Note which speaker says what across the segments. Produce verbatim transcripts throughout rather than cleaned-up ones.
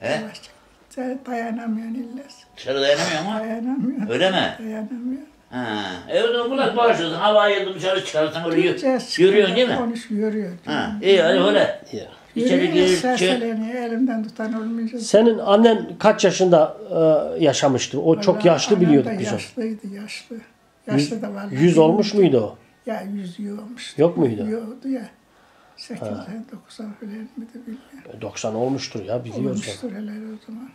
Speaker 1: He?
Speaker 2: Yavaş. Sen dayanamıyorsun illes.
Speaker 1: Dışarı dayanamıyor mu?
Speaker 2: Dayanamıyorsun.
Speaker 1: Öyle mi?
Speaker 2: Dayanamıyorsun.
Speaker 1: Ha. E o zaman kulak bağışlıyorsun. Havaya yıldım dışarı çıkarsan öyle
Speaker 2: Gideceğiz,
Speaker 1: yürüyorsun değil mi?
Speaker 2: Konuş, yürüyor.
Speaker 1: Ha. İyi hadi öyle.
Speaker 3: Ya.
Speaker 1: İçeri
Speaker 2: Yürüyor,
Speaker 1: gir.
Speaker 2: serseleniyor. Elimden tutan olmayacak.
Speaker 3: Senin annen kaç yaşında e, yaşamıştı? O çok
Speaker 2: Vallahi
Speaker 3: yaşlı
Speaker 2: annem
Speaker 3: biliyorduk
Speaker 2: de
Speaker 3: biz onu.
Speaker 2: Yaşlıydı, yaşlı. Yaşlı da vallahi.
Speaker 3: Yüz olmuş muydu o?
Speaker 2: Ya yüz yiyormuş.
Speaker 3: Yok muydu?
Speaker 2: Yoktu ya. seksen doksan falan mıydı bilmiyorum.
Speaker 3: doksan olmuştur ya biliyoruz.
Speaker 2: Olmuştur hele o zaman.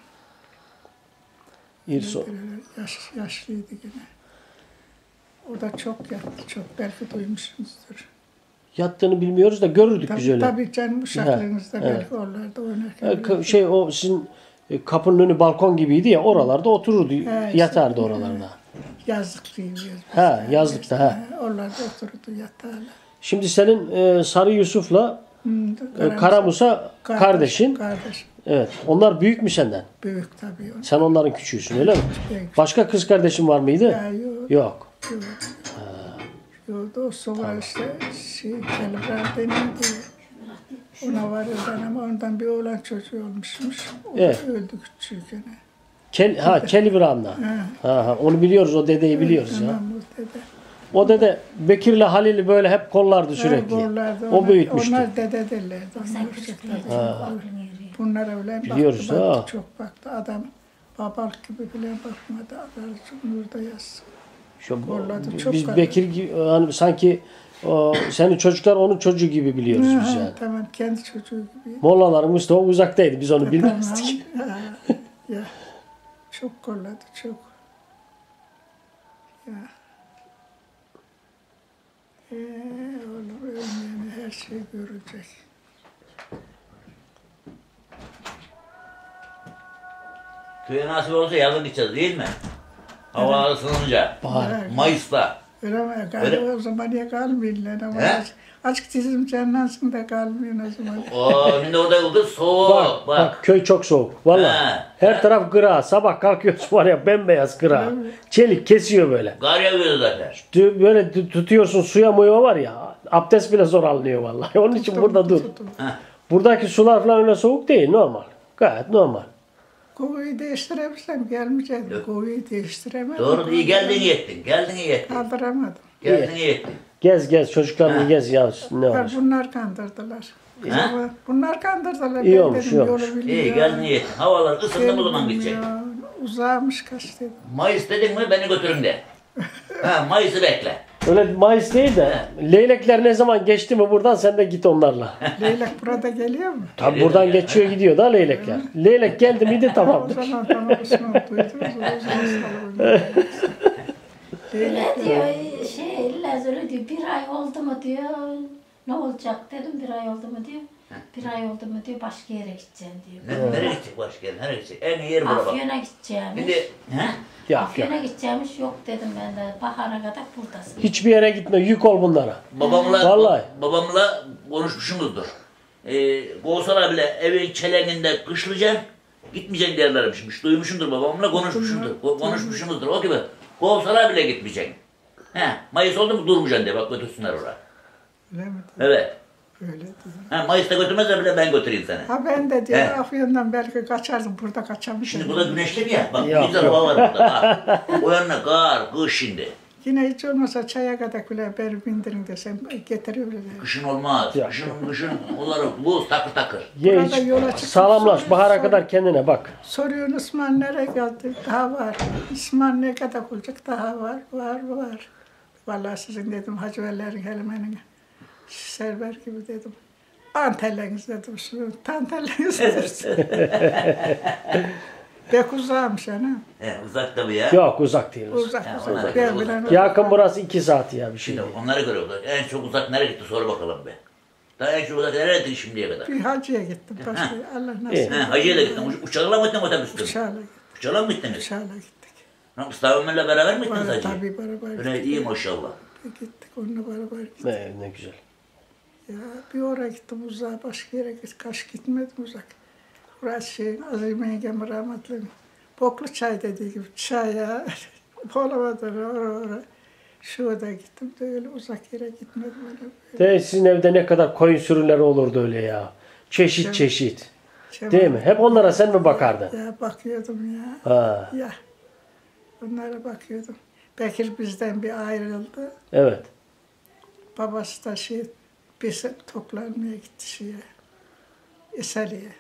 Speaker 3: İrso.
Speaker 2: Yaş, yaşlıydı yine. O da çok yattı, çok belki duymuşsunuzdur.
Speaker 3: Yattığını bilmiyoruz da görürdük
Speaker 2: Tabii,
Speaker 3: biz öyle.
Speaker 2: tabii canım uşaklığınızda
Speaker 3: He,
Speaker 2: belki oralarda oynarken.
Speaker 3: E, ka- Şey o sizin e, kapının önü balkon gibiydi ya oralarda otururdu,
Speaker 2: He,
Speaker 3: yatardı
Speaker 2: işte,
Speaker 3: oralarda.
Speaker 2: Yazlık diyoruz. biz.
Speaker 3: Ha, yazlıkta, ha.
Speaker 2: He, oralarda otururdu yatarlar.
Speaker 3: Şimdi senin e, Sarı Yusuf'la
Speaker 2: Hmm,
Speaker 3: e, Karamusa
Speaker 2: kardeş,
Speaker 3: kardeşin.
Speaker 2: Kardeş.
Speaker 3: Evet. Onlar büyük mü senden?
Speaker 2: Büyük tabii. O.
Speaker 3: Sen onların küçüğüsün öyle mi?
Speaker 2: Büyük.
Speaker 3: Başka kız kardeşin var mıydı?
Speaker 2: Ya, yok.
Speaker 3: Yok.
Speaker 2: Yok. Yok, dostu var işte, şey, Kelibran deniyordu. Ona var ölen ama ondan bir oğlan çocuğu olmuşmuş. O da
Speaker 3: Evet.
Speaker 2: öldü küçükken.
Speaker 3: Kel, ha Kelibran'la.
Speaker 2: Ha.
Speaker 3: Ha, ha, onu biliyoruz, o dedeyi biliyoruz ya.
Speaker 2: Tamam, o dede.
Speaker 3: O dede Bekir'le Halil'i böyle hep kollardı sürekli.
Speaker 2: Borlardı,
Speaker 3: O
Speaker 2: onlar-
Speaker 3: büyütmüştü.
Speaker 2: Onlar dede derlerdi. Onlar çocuklar. Bunlar öyle
Speaker 3: Biliyoruz,
Speaker 2: baktı, baktı,
Speaker 3: ha.
Speaker 2: çok baktı. Adam babalık gibi bile bakmadı. Adam nurda yazsın.
Speaker 3: Şu,
Speaker 2: Kolladı, çok
Speaker 3: biz
Speaker 2: kaldı.
Speaker 3: Bekir gibi, hani sanki o, senin çocuklar onun çocuğu gibi biliyoruz biz
Speaker 2: Ha,
Speaker 3: yani.
Speaker 2: tamam, kendi çocuğu gibi.
Speaker 3: Mollaların Mustafa uzaktaydı, biz onu bilmezdik.
Speaker 2: Tamam. Ha, ya. Çok kolladı, çok. Ya. Ee, oğlum ölmeyeni her şey görecek.
Speaker 1: Köye nasip olsa yazın gideceğiz değil mi? Hava ısınınca.
Speaker 3: Bahar.
Speaker 1: Mayıs'ta.
Speaker 2: Öyle mi? Galiba o zaman ya kalmıyorlar ama
Speaker 1: He?
Speaker 2: aç- açık çizim canlansın da kalmıyor o zaman.
Speaker 1: Oo, şimdi orada kız soğuk.
Speaker 3: Bak,
Speaker 1: Bak.
Speaker 3: bak, köy çok soğuk. Vallahi.
Speaker 1: Ha.
Speaker 3: Her taraf gıra. Sabah kalkıyorsun var ya bembeyaz gıra.
Speaker 2: Öyle mi?
Speaker 3: Çelik kesiyor böyle.
Speaker 1: Kar yağıyor zaten.
Speaker 3: Tü- Böyle tü- tutuyorsun suya muya var ya. Abdest bile zor alınıyor vallahi. Onun için
Speaker 2: Tuttum,
Speaker 3: burada dur.
Speaker 2: tuttum.
Speaker 3: Buradaki sular falan öyle soğuk değil. Normal. Gayet normal.
Speaker 2: Kovuyu değiştirebilsem gelmeyecektim.
Speaker 1: Yok.
Speaker 2: Kovuyu değiştiremedim.
Speaker 1: Doğru iyi geldin iyi ettin. Geldin iyi ettin.
Speaker 2: Kaldıramadım.
Speaker 1: Geldin iyi ettin.
Speaker 3: Gez gez çocuklarını
Speaker 1: Ha.
Speaker 3: gez ya. Ne
Speaker 2: Bunlar,
Speaker 3: var?
Speaker 2: bunlar kandırdılar.
Speaker 1: Ha?
Speaker 2: Ama Bunlar kandırdılar.
Speaker 3: İyi
Speaker 2: Ben
Speaker 3: olmuş,
Speaker 2: dedim,
Speaker 3: iyi
Speaker 2: yolu
Speaker 3: olmuş.
Speaker 1: İyi
Speaker 2: bilmiyor.
Speaker 1: geldin iyi ettin. Havalar ısındı bu zaman gidecek.
Speaker 2: Bilmiyor. Uzağmış kaç dedim.
Speaker 1: Mayıs dedin mi beni götürün de. Ha, Mayıs'ı bekle.
Speaker 3: Öyle Mayıs değil de leylekler ne zaman geçti mi buradan sen de git onlarla.
Speaker 2: Leylek burada geliyor mu?
Speaker 3: Tabi
Speaker 1: Geliyor
Speaker 3: buradan
Speaker 1: ya.
Speaker 3: geçiyor gidiyor da leylekler. Leylek geldi miydi
Speaker 2: O
Speaker 3: tamamdır.
Speaker 2: zaman tamam Osman duydunuz. O zaman salon.
Speaker 4: Öyle diyor, şey, İllaz öyle diyor, bir ay oldu mu diyor, ne olacak dedim, bir ay oldu mu diyor, bir ay oldu mu diyor, başka yere gideceğim diyor.
Speaker 1: Ne, nereye gidecek başka yer? Nereye gidecek? En iyi yer bura bak.
Speaker 4: Afyon'a gideceğim.
Speaker 1: Şimdi he?
Speaker 3: Yok yok.
Speaker 4: Afyon'a gideceğimiş, yok dedim ben de, bahara kadar buradasın.
Speaker 3: Hiçbir yere gitme yük ol bunlara.
Speaker 1: Babamla,
Speaker 3: Vallahi.
Speaker 1: babamla konuşmuşsunuzdur. Ee, kovsalar bile evin çelenginde kışlayacaksın, gitmeyeceksin derlermişmiş. Duymuşsundur babamla konuşmuşsundur. Ko- Konuşmuşsunuzdur. O gibi. Kovsalar bile gitmeyeceksin. He, Mayıs oldu mu durmayacaksın diye bak götürsünler oraya.
Speaker 2: Öyle mi?
Speaker 1: Evet.
Speaker 2: Öyle diyor.
Speaker 1: Ha, Mayıs'ta götürmezler bile ben götüreyim seni.
Speaker 2: Ha ben de diyor
Speaker 1: He.
Speaker 2: Afyon'dan belki kaçardım. Burada kaçamışım.
Speaker 1: Şimdi burada güneşli mi ya? Bak
Speaker 3: Yok,
Speaker 1: güzel
Speaker 3: yok.
Speaker 1: hava var burada. Bak. O yanına kar, kış şimdi.
Speaker 2: Yine hiç olmasa çaya kadar bile beni bindirin desem getiriyorlar.
Speaker 1: Kışın olmaz.
Speaker 3: Yok,
Speaker 1: Kışın, kışın onları buz takır takır.
Speaker 3: Ye
Speaker 2: Burada
Speaker 3: hiç
Speaker 2: yola çıkıp
Speaker 3: sağlamlaş
Speaker 2: sonra-
Speaker 3: bahara
Speaker 2: sonra-
Speaker 3: kadar kendine bak.
Speaker 2: Soruyorsun İsmail nereye geldi? Daha var. İsmail ne kadar olacak? Daha var, var, var. Vallahi sizin dedim Hacıvellerin Helime'nin server gibi dedim. Antelleriniz dedim. Şu tantelleriniz dedim. Bek uzağmış ana.
Speaker 1: He, uzak tabii ya.
Speaker 3: Yok uzak değil.
Speaker 2: Uzak
Speaker 1: Ya,
Speaker 2: uzak.
Speaker 1: onlar-
Speaker 2: Ben bilen
Speaker 3: Yakın burası iki saat ya bir şey.
Speaker 1: Şimdi
Speaker 3: değil.
Speaker 1: onlara göre uzak. En çok uzak nereye gitti sor bakalım be. Daha en çok uzak nereye gitti şimdiye kadar?
Speaker 2: bir hacıya gittim. Başka Allah
Speaker 3: İyi.
Speaker 2: nasip.
Speaker 1: He, hacıya da gittin. Uç- Uçakla mı gittin otobüste mi?
Speaker 2: Uçağla gittik.
Speaker 1: Uçakla mı gittiniz?
Speaker 2: Uçağla gittik.
Speaker 1: Ha, Mustafa Ömer'le beraber mi gittiniz
Speaker 2: Var,
Speaker 1: hacıya?
Speaker 2: tabii beraber
Speaker 1: Öyle
Speaker 2: gittik.
Speaker 1: iyi maşallah.
Speaker 2: Gittik onunla beraber gittik.
Speaker 3: Ne, ne güzel.
Speaker 2: Ya bir oraya gittim uzağa, başka yere gittim. Kaç gitmedim uzak. Burası şey, Azim Yengem rahmetli. Boklu çay dediği gibi çay ya. Bolamadan oraya oraya. Şurada gittim de öyle uzak yere gitmedim. Öyle.
Speaker 3: De sizin evde ne kadar koyun sürüleri olurdu öyle ya. Çeşit
Speaker 2: Evet.
Speaker 3: çeşit.
Speaker 2: Cemal.
Speaker 3: Değil mi? Hep onlara sen mi bakardın?
Speaker 2: Ya bakıyordum ya.
Speaker 3: Ha,
Speaker 2: Ya. Onlara bakıyordum. Bekir bizden bir ayrıldı.
Speaker 3: evet.
Speaker 2: Babası da şey, bir toplanmaya gitti şeye. İsali'ye.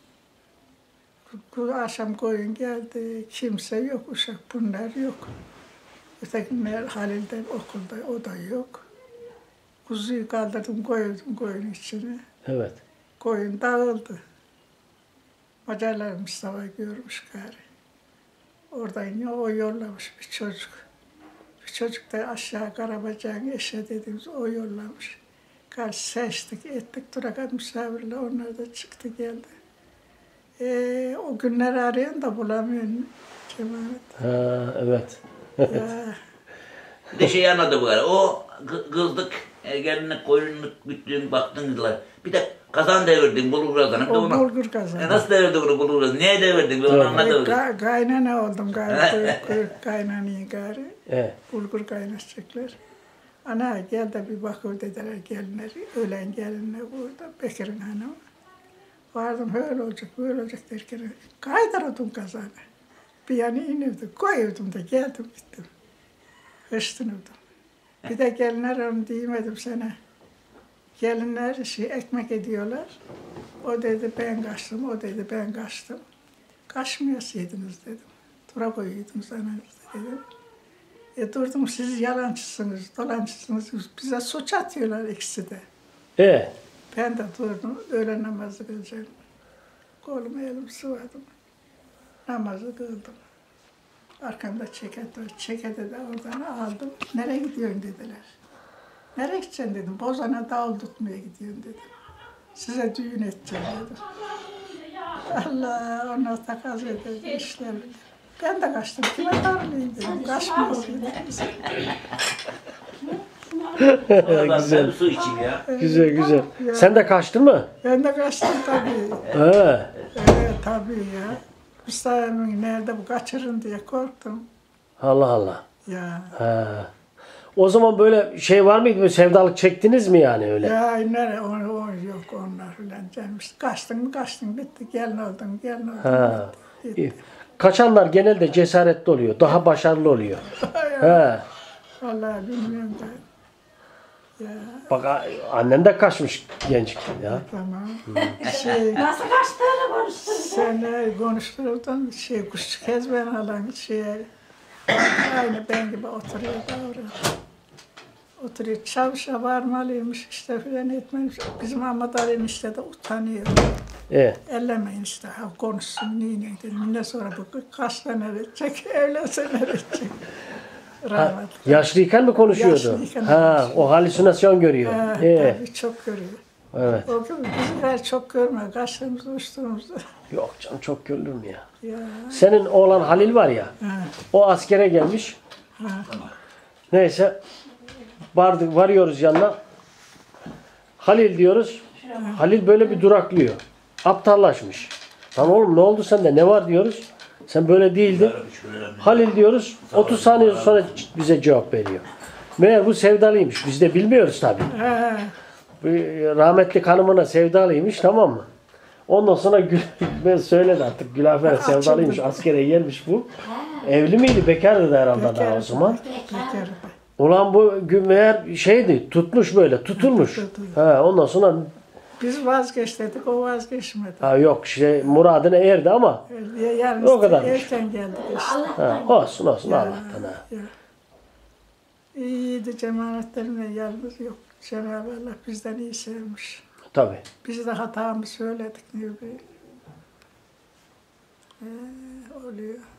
Speaker 2: Bu akşam koyun geldi. Kimse yok. Uşak bunlar yok. Ötekiler Halil'den okulda. O da yok. Kuzuyu kaldırdım koydum koyun içine.
Speaker 3: Evet.
Speaker 2: Koyun dağıldı. Macarlar Mustafa görmüş gari. Oradan ya o yollamış bir çocuk. Bir çocuk da aşağı Karabacak'ın eşe dediğimiz o yollamış. Karşı seçtik, ettik, durakat misafirle onlar da çıktı geldi. Ee, o günleri arayan da bulamıyorum Cemalet.
Speaker 3: Ha, evet.
Speaker 2: Ya,
Speaker 1: Bir de şey anladı bu kadar. O kı- kızlık, ergenlik, koyunluk, büttün, baktınızlar. Bir de kazan devirdin, bulgur kazanı. Bir de
Speaker 2: o
Speaker 1: onu-
Speaker 2: bulgur
Speaker 1: E
Speaker 2: kazandı.
Speaker 1: nasıl devirdin bunu bulgur kazanı? Niye devirdin? Ben onu
Speaker 3: Evet.
Speaker 1: anladım.
Speaker 2: Ga kaynana oldum gari, kuyruk, kuyruk kaynanayı gari.
Speaker 3: Evet.
Speaker 2: Bulgur kaynatacaklar. Ana gel de bir bakır dediler gelinler, ölen gelinler burada, Bekir'in hanımı. Vardım öyle olacak, böyle olacak derken kaydırdım kazanı. Bir yana inirdim, koyuyordum da geldim gittim. Hırslanırdım. Bir de gelinler onu diyemedim sana. Gelinler şey ekmek ediyorlar. O dedi ben kaçtım, o dedi ben kaçtım. Kaçmayasaydınız dedim. Tura koyuydunuz ananızda dedim. E durdum siz yalancısınız, dolancısınız. Bize suç atıyorlar ikisi de.
Speaker 3: E,
Speaker 2: Ben de durdum, öğle namazı kılacağım. Kolumu elimi sıvadım. Namazı kıldım. Arkamda çeket var. Çeketi de oradan aldım. Nereye gidiyorsun dediler. Nereye gideceksin dedim. Bozan'a davul tutmaya gidiyorum dedim. Size düğün edeceğim dedim. Allah ona takas ederdi işler. Ben de kaçtım. Kime darlayayım dedim. Kaçmıyorsun dedim.
Speaker 1: Sonra ben
Speaker 3: Güzel.
Speaker 1: bir su içeyim ya.
Speaker 3: güzel güzel. Sen de kaçtın mı?
Speaker 2: Ben de kaçtım tabii.
Speaker 3: He.
Speaker 2: Evet tabii ya. Mustafa Emin nerede bu kaçırın diye korktum.
Speaker 3: Allah Allah.
Speaker 2: Ya.
Speaker 3: He. O zaman böyle şey var mıydı? Böyle sevdalık çektiniz mi yani öyle?
Speaker 2: Ya nere o, o yok onlar filan canım. İşte kaçtın mı kaçtın bitti. Gelin oldun gelin oldun.
Speaker 3: Ha.
Speaker 2: bitti.
Speaker 3: İyi. Kaçanlar genelde cesaretli oluyor. Daha başarılı oluyor. He.
Speaker 2: Vallahi bilmiyorum ben. Ya
Speaker 3: Bak a- annen de kaçmış gençken ya.
Speaker 2: tamam. Şey,
Speaker 4: Nasıl kaçtığını konuştun.
Speaker 2: sen ne konuşturdun şey kuşçu kez ben alan şey aynı ben gibi oturuyor davranıyor. Oturuyor çavuşa varmalıymış işte filan etmemiş. Bizim Ahmet Ali'nin işte de utanıyor.
Speaker 3: E.
Speaker 2: Ellemeyin işte ha konuşsun niye dedim. Ne sonra bu kaç tane verecek evlenseler edecek. Rahmetli.
Speaker 3: Yaşlıyken mi konuşuyordu?
Speaker 2: Yaşlıyken
Speaker 3: Ha,
Speaker 2: konuşuyor.
Speaker 3: o halüsinasyon görüyor.
Speaker 2: Ha,
Speaker 3: E.
Speaker 2: tabii çok görüyor.
Speaker 3: Evet.
Speaker 2: O gün bizimler çok görme. Kaçtığımızda uçtuğumuzda.
Speaker 3: Yok canım çok görülür mü ya?
Speaker 2: Ya.
Speaker 3: Senin oğlan Halil var ya.
Speaker 2: Ha,
Speaker 3: O askere gelmiş.
Speaker 2: ha.
Speaker 3: Neyse. Vardık, varıyoruz yanına. Halil diyoruz. Halil böyle bir duraklıyor. Aptallaşmış. Lan oğlum ne oldu sende? Ne var diyoruz. Sen böyle değildin. Halil diyoruz. otuz saniye sonra bize cevap veriyor. Meğer bu sevdalıymış. Biz de bilmiyoruz tabii.
Speaker 2: Ha,
Speaker 3: Bu rahmetli hanımına sevdalıymış, tamam mı? Ondan sonra Gül, ben söyledi artık Gülafer
Speaker 2: Açıldı.
Speaker 3: sevdalıymış, askere gelmiş bu. Evli miydi? Bekardı da herhalde daha o zaman.
Speaker 2: Bekar.
Speaker 3: Ulan bu gü- meğer şeydi, tutmuş böyle, tutulmuş.
Speaker 2: Tutuldu.
Speaker 3: Ha, ondan sonra
Speaker 2: Biz vazgeçtik, o vazgeçmedi.
Speaker 3: ha, yok şey muradına erdi ama
Speaker 2: Ya- Yarın
Speaker 3: O kadarmış.
Speaker 2: erken geldik işte.
Speaker 3: ha, olsun olsun Allah'tan ha.
Speaker 2: Ya. İyiydi cemaatlerine yalnız yok. Cenab-ı Allah bizden iyi sevmiş.
Speaker 3: Tabii.
Speaker 2: Biz de hatamı söyledik ne bileyim. Ee, oluyor.